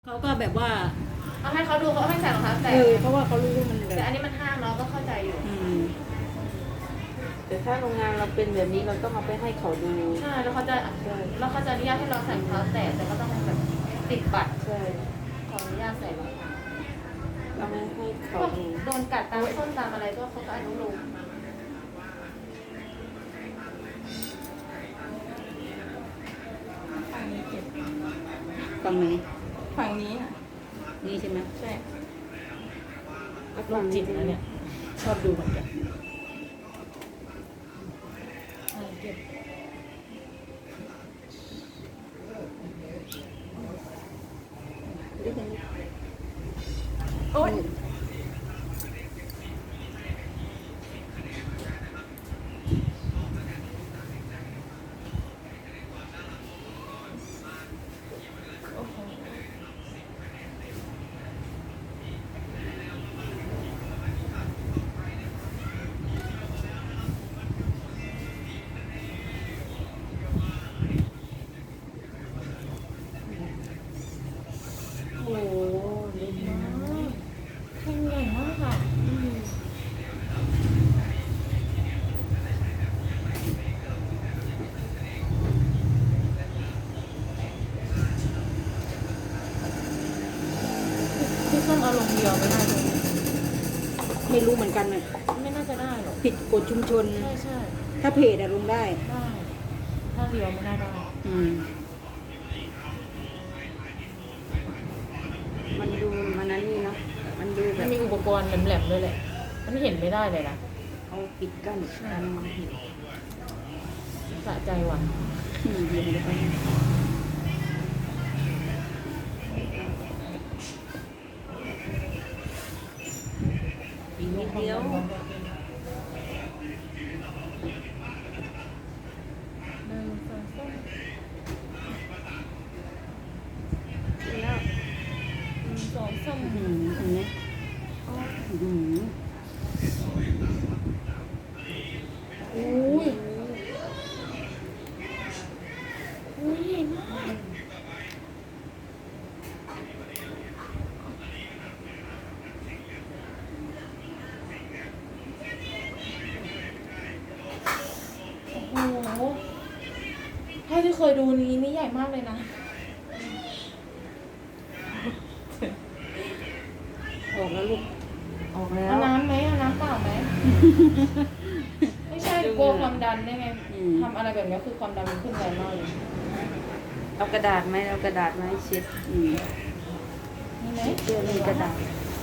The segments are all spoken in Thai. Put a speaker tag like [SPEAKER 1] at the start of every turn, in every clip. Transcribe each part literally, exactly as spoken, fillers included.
[SPEAKER 1] เขาก็แบบว่า
[SPEAKER 2] เอาให้เขาดูเขาให้ใส่รองเท้าแตะ
[SPEAKER 1] เออเพราะว่าเขารู้ว่ามันแบ
[SPEAKER 2] แต่
[SPEAKER 1] บ
[SPEAKER 2] อันนี้มันห้างเนาะก็เข้าใจอยู่
[SPEAKER 1] อืม
[SPEAKER 3] แต่ถ้าโรงงานเราเป็นแบบนี้เราต้องเอาไปให้เขาดู
[SPEAKER 2] ใช่แล้วเขาจะ
[SPEAKER 3] ใช่
[SPEAKER 2] แล้วเขาจะอนุญาตให้เราใส่รองเท้าแตะแต่ก็ต้องแบบติดบัตร
[SPEAKER 3] ใช่
[SPEAKER 2] ขออนุญาตใส่รองเท้า
[SPEAKER 3] เอาไปให้
[SPEAKER 2] พ
[SPEAKER 3] เขา
[SPEAKER 2] วก
[SPEAKER 3] ดู
[SPEAKER 2] โดนกัดตามส้นตามอะไรก็เขาก็อนุโลม
[SPEAKER 4] ฝั่งนี้เจ็บ
[SPEAKER 1] ฝั่งไหน
[SPEAKER 4] ฝั่งนี้อ่ะ
[SPEAKER 1] นี่ใช่ไหม
[SPEAKER 4] ใช่
[SPEAKER 2] โรคจิตนะเนี่ย ชอบดูเหมือนกันใช่เจ็บ
[SPEAKER 4] โอ๊ย โอ้โห
[SPEAKER 2] โอ้โหเล่นมากแข่งใหญ่มากค่ะอืมพี่ส้มเอาลงเดียวไม่ได้เลย
[SPEAKER 1] ไม่รู้เหมือนกันนะ
[SPEAKER 2] ไม่น่าจะได้หรอก
[SPEAKER 1] ผิดกฎชุมชน
[SPEAKER 2] ใช่ใช่
[SPEAKER 1] ถ้าเพจอะลงได้
[SPEAKER 2] ได้ ถ้าเดียวไม่น่าได้
[SPEAKER 1] อืม
[SPEAKER 3] มันดูมันนั้นนี่เนาะมันดูแบ
[SPEAKER 2] มัน
[SPEAKER 3] บ
[SPEAKER 2] มีอุปกรณ์แหลมๆด้วยแหละ มันเห็นไม่ได้เลยนะ
[SPEAKER 3] เอาปิดกั้นการมองเห็น
[SPEAKER 2] สะใจว่ะ
[SPEAKER 1] อืมเดี๋ยวเดี๋ยวไป
[SPEAKER 3] อีกนิดเดียว
[SPEAKER 2] หนึ่งสองสาม
[SPEAKER 3] แล้ว
[SPEAKER 2] หนึ่งสองสาม
[SPEAKER 1] อืมเห็นไหมอืม
[SPEAKER 2] อุ้ยอุ้ยใหญ่มากโอ้โหถ้าที่เคยดูนี้นี่ใหญ่มากเลยนะ
[SPEAKER 1] ออกแล้วลูก
[SPEAKER 3] ออกแล้ว
[SPEAKER 2] เอาน้ำไหมเอาน้ำเปล่าไหม ไม่ใช่กลัวความดันได้ไง
[SPEAKER 1] อืม
[SPEAKER 2] ทำอะไรแบบนี้คือความดันมันขึ้นแรงมากเลย
[SPEAKER 3] เอากระดาษไหมเอากระดาษมาให้เช็ด
[SPEAKER 1] อืม
[SPEAKER 2] นี่ไหม
[SPEAKER 3] เสื้อมีกระดาษ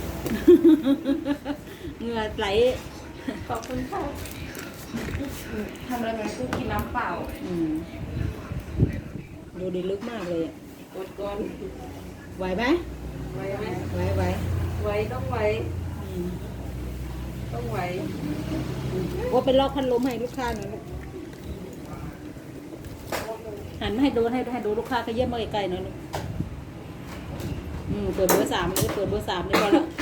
[SPEAKER 1] เหงื่อไหล
[SPEAKER 2] ขอบคุณค่ะทำอะไรแบบนี้คือกินน้ำเปล่า
[SPEAKER 1] อืมดูดีลึกมากเลยอะ
[SPEAKER 3] กดก่อน
[SPEAKER 1] ไหวไหม
[SPEAKER 3] ไว้ไหม
[SPEAKER 1] ไหวไหว
[SPEAKER 3] ไว้ต้องไว้
[SPEAKER 1] อืม
[SPEAKER 3] ต้องไว้
[SPEAKER 1] โอ้เป็นลอกพัดลมให้ลูกค้าหน่อยลูกหันมาให้ดูให้ให้ดูลูกค้าก็เยี่ยมมาไกลๆหน่อยลูกอืมเปิดเบอร์สามเลยเปิดเบอร์สามเลยพอละ